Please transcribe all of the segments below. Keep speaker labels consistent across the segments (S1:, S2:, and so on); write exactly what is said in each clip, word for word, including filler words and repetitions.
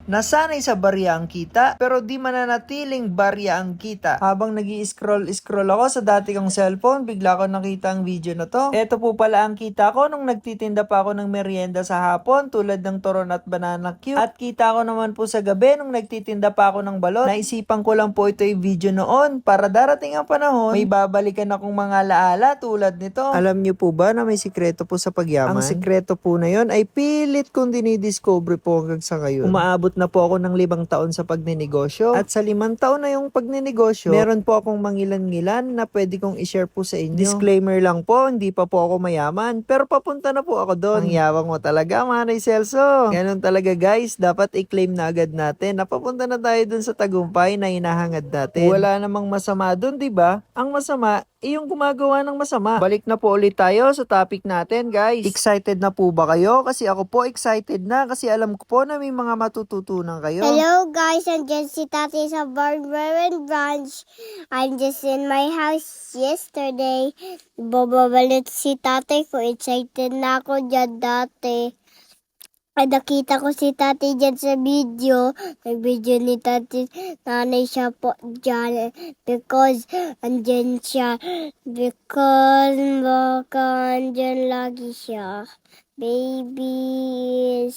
S1: Nasanay sa barya ang kita, pero di mananatiling barya ang kita. Habang nag-i-scroll-scroll ako sa dati kong cellphone, bigla ko nakita ang video na to. Ito po pala ang kita ko nung nagtitinda pa ako ng merienda sa hapon, tulad ng turon at banana cue. At kita ko naman po sa gabi nung nagtitinda pa ako ng balot. Naisipan ko lang po ito yung video noon, para darating ang panahon, may babalikan akong mga laala tulad nito. Alam niyo po ba na may sikreto po sa pagyaman? Ang sikreto po na yon ay pilit kong dinidiscover po hanggang sa ngayon. Umaabot na po ako ng limang taon sa pagninegosyo. At sa limang taon na yung pagninegosyo, meron po akong mangilan-ngilan na pwede kong i-share po sa inyo. Disclaimer lang po, hindi pa po ako mayaman, pero papunta na po ako doon. Ang yabang mo talaga, Manay Celso. Ganun talaga guys, dapat i-claim na agad natin na papunta na tayo dun sa tagumpay na hinahangad natin. Wala namang masama dun, di ba? Ang masama, eh yung gumagawa ng masama. Balik na po ulit tayo sa topic natin, guys. Excited na po ba kayo? Kasi ako po excited na kasi alam ko po na may mga matututunan kayo.
S2: Hello guys, I'm just si Tati sa Barbarian Branch. I'm just in my house yesterday. Bababalik si Tati ko. Excited na ako dyan dati. Ay, nakita ko si Tati dyan sa video. Nag-video ni Tati. Nanay siya po dyan. Because andyan siya. Because baka andyan lagi siya. Baby is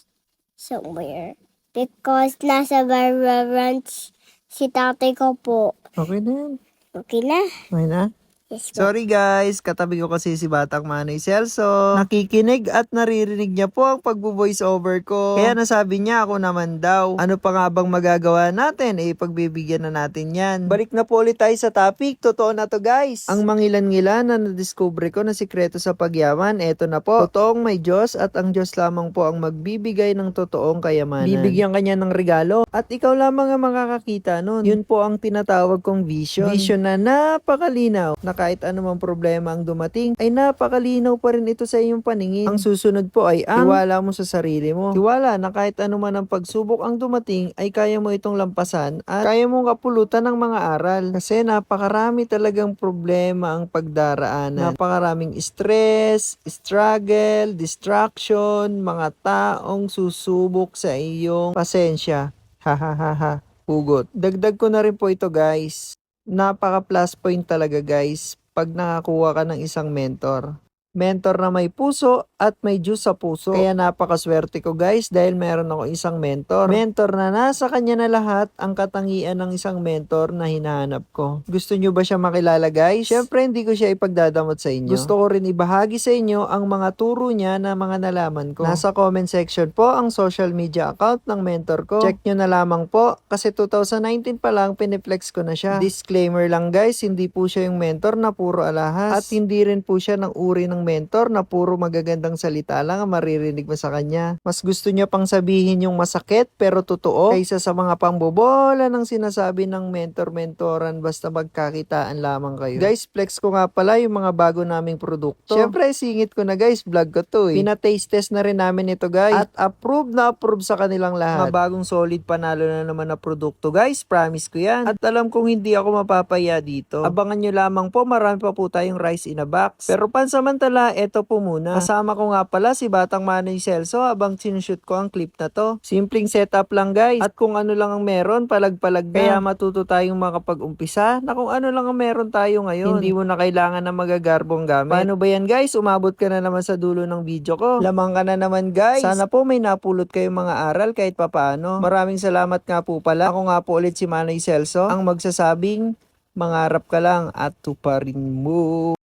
S2: somewhere. Because nasa Barbara Ranch si Tatay ko po.
S1: Okay na yan.
S2: Okay na?
S1: Okay na?
S2: Yes po.
S1: Sorry guys, katabi ko kasi si Batang Manay Celso. Nakikinig at naririnig niya po ang pagbo-voice over ko. Kaya nasabi niya ako naman daw. Ano pa nga bang magagawa natin? Eh, pagbibigyan na natin yan. Balik na po ulit tayo sa topic. Totoo na to guys. Ang mangilan-ngilan na nadiscover ko na sikreto sa pagyaman, eto na po. Totoong may Diyos at ang Diyos lamang po ang magbibigay ng totoong kayamanan. Bibigyan kanya ng regalo at ikaw lamang ang makakakita nun. Yun po ang tinatawag kong vision. Vision na napakalinaw na kahit anumang problema ang dumating, ay napakalinaw pa rin ito sa iyong paningin. Ang susunod po ay ang tiwala mo sa sarili mo. Tiwala na kahit anuman ang pagsubok ang dumating, ay kaya mo itong lampasan at kaya mong kapulutan ng mga aral. Kasi napakarami talagang problema ang pagdaraanan. Napakaraming stress, struggle, distraction, mga taong susubok sa iyong pasensya. Ha ha ha ha. Hugot. Dagdag ko na rin po ito guys. Napaka plus point talaga guys pag nakakuha ka ng isang mentor. Mentor na may puso at may Diyos sa puso. Kaya napakaswerte ko guys dahil meron ako isang mentor. Mentor na nasa kanya na lahat ang katangian ng isang mentor na hinahanap ko. Gusto nyo ba siya makilala guys? Syempre hindi ko siya ipagdadamot sa inyo. Gusto ko rin ibahagi sa inyo ang mga turo niya na mga nalaman ko. Nasa comment section po ang social media account ng mentor ko. Check nyo na lamang po kasi two thousand nineteen pa lang piniplex ko na siya. Disclaimer lang guys, hindi po siya yung mentor na puro alahas at hindi rin po siya ng uri ng mentor na puro magagandang salita lang ang maririnig mo sa kanya. Mas gusto niya pang sabihin yung masakit pero totoo kaysa sa mga pambobola ng sinasabi ng mentor-mentoran basta magkakitaan lamang kayo. Guys, flex ko nga pala yung mga bago naming produkto. Syempre, singit ko na guys, vlog ko to eh. Pina-taste test na rin namin ito guys at approve na approve sa kanilang lahat. Mga bagong solid panalo na naman na produkto guys, promise ko yan. At alam kong hindi ako mapapaya dito. Abangan nyo lamang po, marami pa po tayong rice in a box. Pero pansamantala, eto po muna. Kasama ko nga pala si Batang Manay Celso habang sinushoot ko ang clip na to. Simpleng setup lang guys. At kung ano lang ang meron, palag-palag na. Kaya matuto tayong makapag-umpisa na kung ano lang ang meron tayo ngayon. Hindi mo na kailangan ng magagarbong gamit. Paano ba yan guys? Umabot ka na naman sa dulo ng video ko. Lamang ka na naman guys. Sana po may napulot kayong mga aral kahit papaano. Maraming salamat nga po pala. Ako nga po ulit si Manay Celso, ang magsasabing mangarap ka lang at tuparin mo.